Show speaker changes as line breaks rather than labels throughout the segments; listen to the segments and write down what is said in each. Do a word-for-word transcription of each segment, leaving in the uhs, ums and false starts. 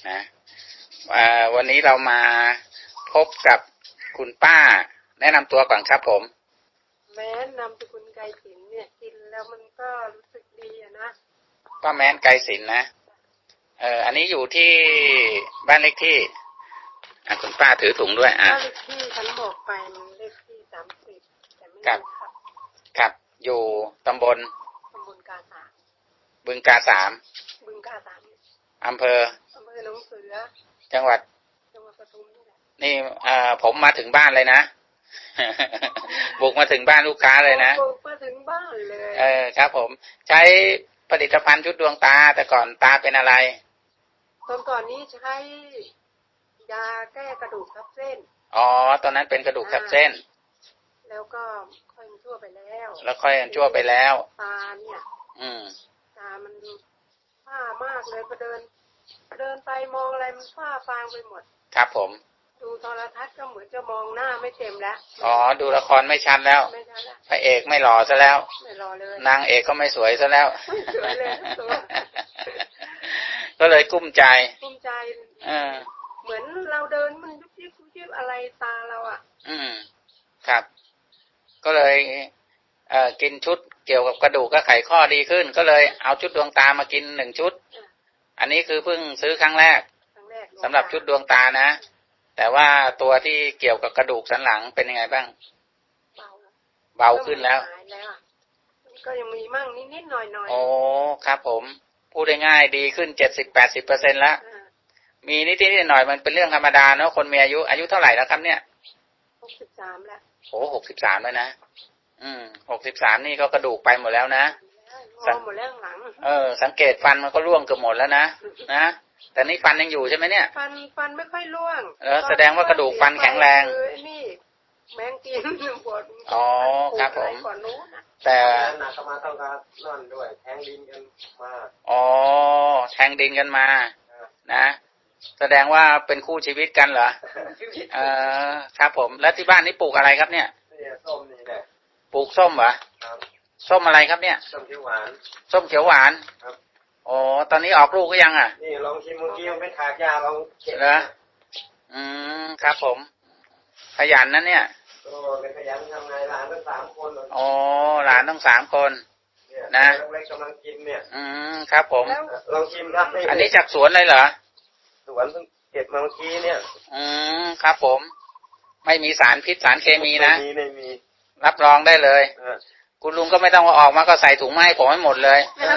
นะวันนี้เรามาพบกับคุณป้าแนะนำตัวก่อนครับผม
แม้นนามสกุลไกรศิลป์เนี่ยกินแล้วมันก็รู้สึกดีอะนะ
ป้าแม้นไกรศิลป์นะเอออันนี้อยู่ที่บ้านเลขที่อ่ะคุณป้าถือถุงด้วยอ่ะ
บ้านเลขที่ฉันบอกไปมันเลขที่สามสิบแต่ไม่
ครับครับอยู่ตำบล
ตำบลกาสาม
บึงกาสาม
บึงกาสาม
อำเภอ
อำเภอหนองเสือ
จังหวัด
จังหวัดปทุมนี่แหละ
นี่อ่าผมมาถึงบ้านเลยนะ บุกมาถึงบ้านลูกค้าเลยนะ
บุกมาถึงบ้านเลย
เออครับผมใช้ผลิตภัณฑ์ชุดดวงตาแต่ก่อนตาเป็นอะไร
ตอนก่อนนี้ใช้ยาแก้กระดูกทับเส้น
อ๋อตอนนั้นเป็นกระดูกทับเส้น
แล้วก็ค่อยชั่วไปแล้ว
แล้วค่อยชั่วไปแล้ว
ตาเนี่ย
อืม
ตามันฝ้ามากเลยพอเดินเดินไปมองอะไรมันฝ้าฟางไปหมด
ครับผม
ดูโทรทัศน์ก็เหมือนจะมองหน้าไม่เต็มแล้ว
อ๋อดูละครไม่ชัดแล้ว
ไม่ชัดแล้ว
พระเอกไม่หล่อซะแล้ว
ไม่หล่อเลย
นางเอกก็ไม่สวยซะแล้ว
ไม่สวยเลยตัว
ก็เลยกุ้มใจ
กุ้มใจ
เออ
เหมือนเราเดินมันยุบยิบยุบยิบอะไรตาเราอ่ะ
อืมครับก็เลยเอ่อกินชุดเกี่ยวกับกระดูกกับไขข้อดีขึ้นก็เลยเอาชุดดวงตามากินหนึ่งชุดอันนี้คือเพิ่งซื้อครั้งแรกสำหรับชุดดวงตานะแต่ว่าตัวที่เกี่ยวกับกระดูกสันหลังเป็นยังไงบ้าง
เบา
เบาขึ้นแล้ว
ก็ยังมีมั่งนิดๆหน่อยๆ
โอ้ครับผมพูดได้ง่ายดีขึ้นเจ็ดสิบแปดสิบเปอร์เซ็นต์แล้วมีนิดนิดหน่อยมันเป็นเรื่องธรรมดาเนาะคนมีอายุอายุเท่าไหร่แล้วครับเนี่ย
หกสิบสามแล้ว
โอ้หกสิบสามแล้วนะอืมหกสิบสามนี่ก็กระดูกไปหมดแล้วนะ
งอหมดแล้วหลัง
เออสังเกตฟันมันก็ร่วงเกือบหมดแล้วนะนะแต่นี่ฟันยังอยู่ใช่ไหมเนี่ย
ฟันฟันไม่ค่อยร่วง
เออแสดงว่ากระดูกฟันแข็งแรง
นี่แมงกินปวด
อ๋อครับผม
แต่
หนักมาต้องการนั่นด้วยแทงดินกันมา
อ๋อแทงดินกันมานะแสดงว่าเป็นคู่ชีวิตกันเหรอเออครับผมแล้วที่บ้านนี่ปลูกอะไรครับเนี่ย
ส้มนี่แหละ
ปลูกส้มเหรอส้มอะไรครับเนี่ย
ส้มเขียวหวาน
ส้มเขียวหวานครับอ๋อตอนนี้ออกลูกก็ยังอ่ะ
นี่ลองชิมเมื่อกี้มันเป็นขากยาลอง
เก็บนะอืมครับผมขยันนะเนี่ย
โอ้เลยขยันทำไงหลานทั้งสามคน
อ๋อหลานทั้งสามคนนะ
เล็กกำลังกินเนี่ย
อืมครับผม
ลองชิมครับ
อันนี้จากสวนเลยเหรอ
สวนเพิ่งเก็บมาเมื่อกี้เนี่ย
อืมครับผมไม่มีสารพิษสารเคมีนะ
ไม่มีไม่มี
รับรองได้เลยคุณลุงก็ไม่ต้องเอาออกมาก็ใส่ถุงมาให้ผมให้หมดเลย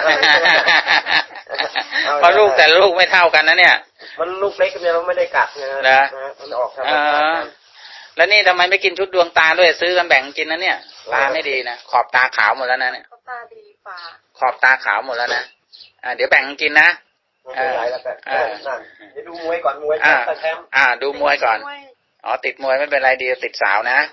เพราะลูกแต่ลูกไม่เท่ากันนะเนี่ย
มันลูกเล็กเนี่ยเราไม่ได้กัดนะมันออกทาง
แล้วนี่ทำไมไม่กินชุดดวงตาด้วยซื้อกันแบ่งกินนะเนี่ยตาไม่ดีนะขอบตาขาวหมดแล้วนะเนี่ย
ขอบตาดีฝ่า
ขอบตาขาวหมดแล้วนะอ่าเดี๋ยวแบ่งกินนะ
อ่าอ่าเดี๋ยวดูมวยก่อนมวยแชมป์
อ่าดูมวยก่อนอ๋อติดมวยไม่เป็นไรดีติดสาวนะ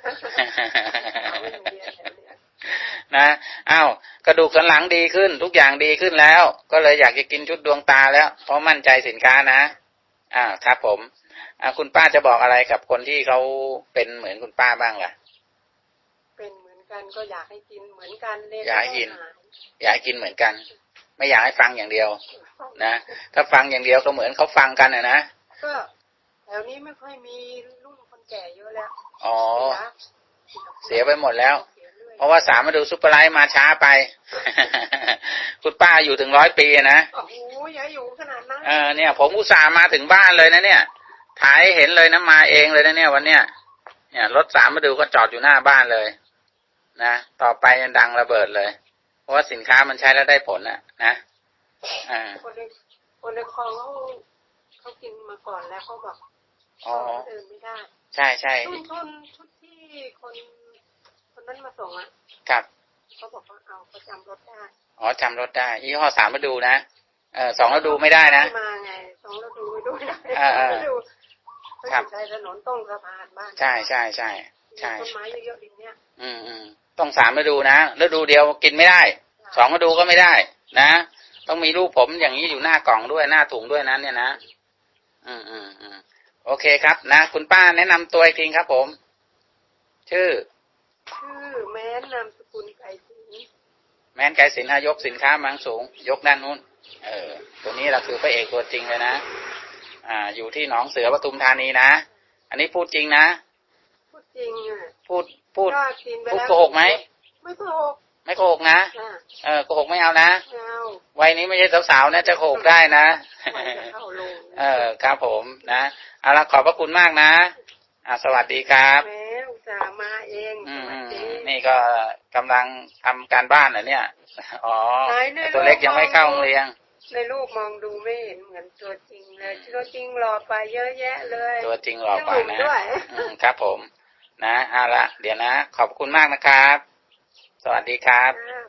นะอ้าวกระดูกสันหลังดีขึ้นทุกอย่างดีขึ้นแล้วก็เลยอยากจะกินชุดดวงตาแล้วเพราะมั่นใจสินค้านะอ่าครับผมอ่าคุณป้าจะบอกอะไรกับคนที่เขาเป็นเหมือนคุณป้าบ้างล่ะ
เป็นเหมือนกันก็อยากให้กินเหมือนกันเลย
อยากให้กินอยากให้กินเหมือนกันไม่อยากให้ฟังอย่างเดียวนะถ้าฟังอย่างเดียวก็เหมือนเขาฟังกันนะนะ
ก็แถวนี้ไม่ค่อยมีรุ่นคนแก่เยอะแล้ว
อ๋อเสียไปหมดแล้วเพราะว่าสามมาดูซุปเปอร์ไลท์มาช้าไปคุณป้าอยู่ถึงร้อยปีนะ
โอ้โหอย่าอยู่ขนาดนั้น
เออเนี่ยผมอุตส่าห์มาถึงบ้านเลยนะเนี่ยถ่ายเห็นเลยนะมาเองเลยนะเนี่ยวันเนี้ยเนี่ยรถสามมาดูก็จอดอยู่หน้าบ้านเลยนะต่อไปดังระเบิดเลยเพราะว่าสินค้ามันใช้แล้วได้ผลนะนะอ่า
คนในคนในคลองเขาเขากินมาก่อนแล้วเขาบอก
อ๋อ
เดินไม่ได้
ใช่ใช่
ชุดชุดชุดที่คนคนนั้นมาส่งอ่ะ
ครับ
เขาบอกว่าเอาประจำรถได้
อ๋อจำรถได้ยี่ห้อสามมาดูนะเออสองฤดูไม่ได้นะ
มาไงสองฤดูไม่ดูได้
ฤดู
ครับใช้ถนนต้องสะพานบ้าน
ใช่ใช่ใช่ใช่
ต้นไม้เยอะๆดินเนี้ย
อืมอืมต้องสามฤดูนะฤดูเดียวกินไม่ได้สองฤดูก็ไม่ได้นะต้องมีรูปผมอย่างนี้อยู่หน้ากล่องด้วยหน้าถุงด้วยนั้นเนี่ยนะอืมอืมอืมโอเคครับนะคุณป้าแนะนำตัวอีกทีครับผมชื่อ
ชื่อแม้นนามสกุลไกรศิลป์
แม้นไกรศิลป์ยกสินค้ามังสูงยกด้านนู้นเออตัวนี้เราคือพระเอกตัวจริงเลยนะอ่าอยู่ที่หนองเสือปทุมธานีนะอันนี้พูดจริงนะ
พูดจริงอ่ะ
พูดพูด
ก็กินไป
พูด
แล้ว
โกหกไหม
ไม่โกหก
ไม่โกหกนะ
อ่า
เออโกหกไม่เอานะ
ไม่เอา
วัยนี้ไม่ใช่สาวๆนะจะโกหกได้นะ
ไว้จะเข้าโรง
เออครับผมนะเอาละขอบพระคุณมากนะอ่าสวัสดีครับ
แม่อุตส่าห์มาเอง
อื
ส
ม
วัสดี
นี่ก็กำลังทำการบ้านเหรอเนี่ยอ๋อ
ไหนใน
ตัวเล็กยังไม่เข้าโรงเรียน
ในรูปมองดูไม่เห็นเหมือนตัวจริงเลยตัวจริงหล่อไปเยอะแยะเลย
ตัวจริงหล่อกว่า
ยังห
นะ
นุ่มด้วย
อืมครับผมนะเอาละเดี๋ยวนะ ขอบคุณมากนะครับ สวัสดีครับ
อ่า